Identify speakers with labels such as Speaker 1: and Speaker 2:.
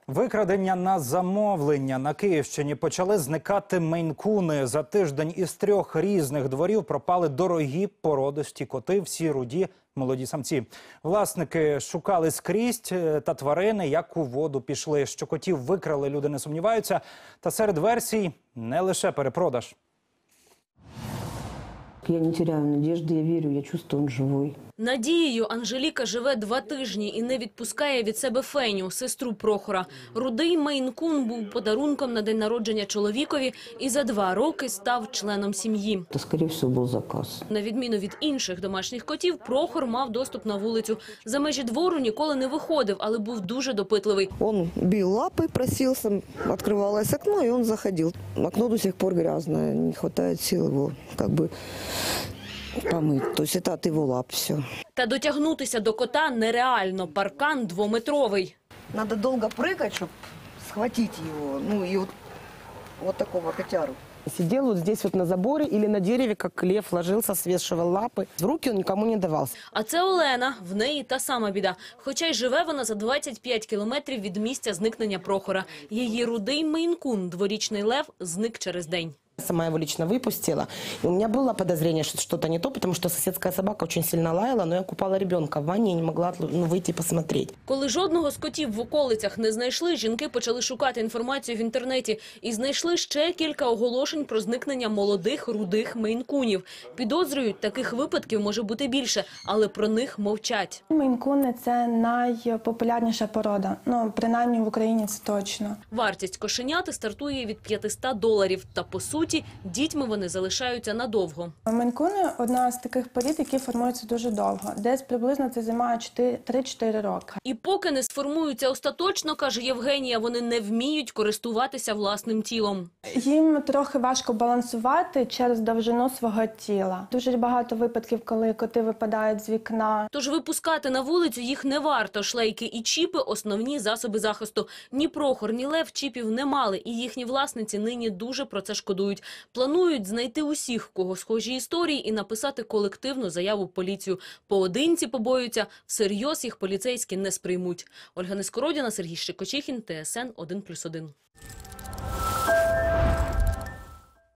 Speaker 1: Викрадення на замовлення. На Київщині почали зникати мейн-куни. За тиждень із 3 різних дворів пропали дорогі породисті коти, всі руді, молоді самці. Власники шукали скрізь, та тварини як у воду пішли. Що котів викрали, люди не сумніваються. Та серед версій не лише перепродаж.
Speaker 2: Я не теряю надежды, я верю, я чувствую, он живой.
Speaker 3: Надією Анжеліка живе 2 тижні і не відпускає від себе Феню, сестру Прохора. Рудий мейн-кун був подарунком на день народження чоловікові і за 2 роки став членом сім'ї.
Speaker 2: Это, скорее всего, был заказ.
Speaker 3: На відміну від інших домашніх котів, Прохор мав доступ на вулицю. За межі двору ніколи не виходив, але був дуже допитливий.
Speaker 4: Он бил лапой, просился, открывалось окно, и он заходил. Окно до сих пор грязное, не хватает сил его помыть. То есть это от его лап все.
Speaker 3: Та дотягнутися до кота нереально. Паркан 2-метровий.
Speaker 4: Надо долго прыгать, чтобы схватить его. Ну и вот такого котяру.
Speaker 5: Сидел вот здесь вот на заборе или на дереве, как лев, ложился, свешивал лапы. В руки он никому не давался.
Speaker 3: А це Олена. В неї та сама біда. Хоча й живе вона за 25 кілометрів від місця зникнення Прохора. Її рудий мейн-кун, дворічний лев, зник через день.
Speaker 5: Сама его лично выпустила. И у меня было подозрение, что что-то не то, потому что соседская собака очень сильно лаяла, но я купала ребенка в ванне и не могла выйти посмотреть.
Speaker 3: Коли жодного з котів в околицях не знайшли, жінки почали шукати інформацію в інтернеті і знайшли ще кілька оголошень про зникнення молодих рудих мейн-кунів. Підозрюють, таких випадків може бути більше, але про них мовчать.
Speaker 6: Мейн-куни – це найпопулярніша порода. Ну, принаймні в Україні це точно.
Speaker 3: Вартість кошеняти стартує від $500. Та, по суті, дітьми вони залишаються надовго.
Speaker 6: Мейн-куни – одна з таких порід, які формуються дуже довго. Десь приблизно це займає 3-4 роки.
Speaker 3: І поки не сформуються остаточно, каже Євгенія, вони не вміють користуватися власним тілом.
Speaker 6: Їм трохи важко балансувати через довжину свого тіла. Дуже багато випадків, коли коти випадають з вікна.
Speaker 3: Тож випускати на вулицю їх не варто. Шлейки і чіпи – основні засоби захисту. Ні Прохор, ні Лев чіпів не мали, і їхні власниці нині дуже про це шкодують. Планують знайти усіх, в кого схожі історії, і написати колективну заяву в поліцію. Поодинці побоюються, всерйоз їх поліцейські не сприймуть. Ольга Нескородіна, Сергій Щекочихін, ТСН 1+1.